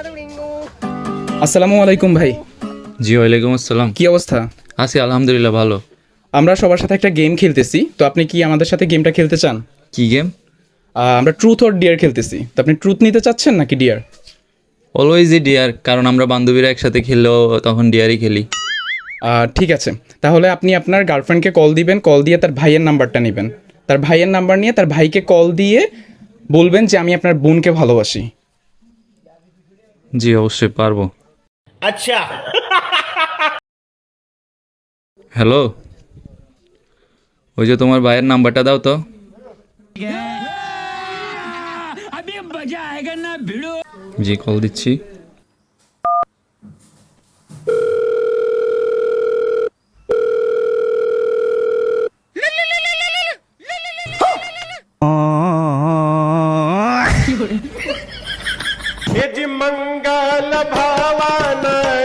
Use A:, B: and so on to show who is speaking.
A: আসসালামু আলাইকুম ভাই।
B: জি ওয়ালাইকুম আসসালাম।
A: কি অবস্থা?
B: আছি আলহামদুলিল্লাহ ভালো।
A: আমরা সবার সাথে একটা গেম খেলতেছি, তো আপনি কি আমাদের সাথে গেমটা খেলতে চান?
B: কি গেম?
A: আমরা ট্রুথ অর ডিয়ার খেলতেছি, তো আপনি ট্রুথ নিতে চাচ্ছেন নাকি ডিয়ার?
B: অলওয়েজই ডিয়ার, কারণ আমরা বান্ধবীরা একসাথে খেললেও তখন ডিয়ারই খেলি।
A: ঠিক আছে, তাহলে আপনি আপনার গার্লফ্রেন্ডকে কল দিবেন, কল দিয়ে তার ভাইয়ের নাম্বারটা নেবেন, তার ভাইয়ের নাম্বার নিয়ে তার ভাইকে কল দিয়ে বলবেন যে আমি আপনার বোনকে ভালোবাসি।
B: জি অবশ্যই পারবো।
C: अच्छा
B: হ্যালো, ওই যে তোমার ভাইয়ের নাম্বারটা দাও তো। জি কল দিচ্ছি।
C: यजि मंगल भावान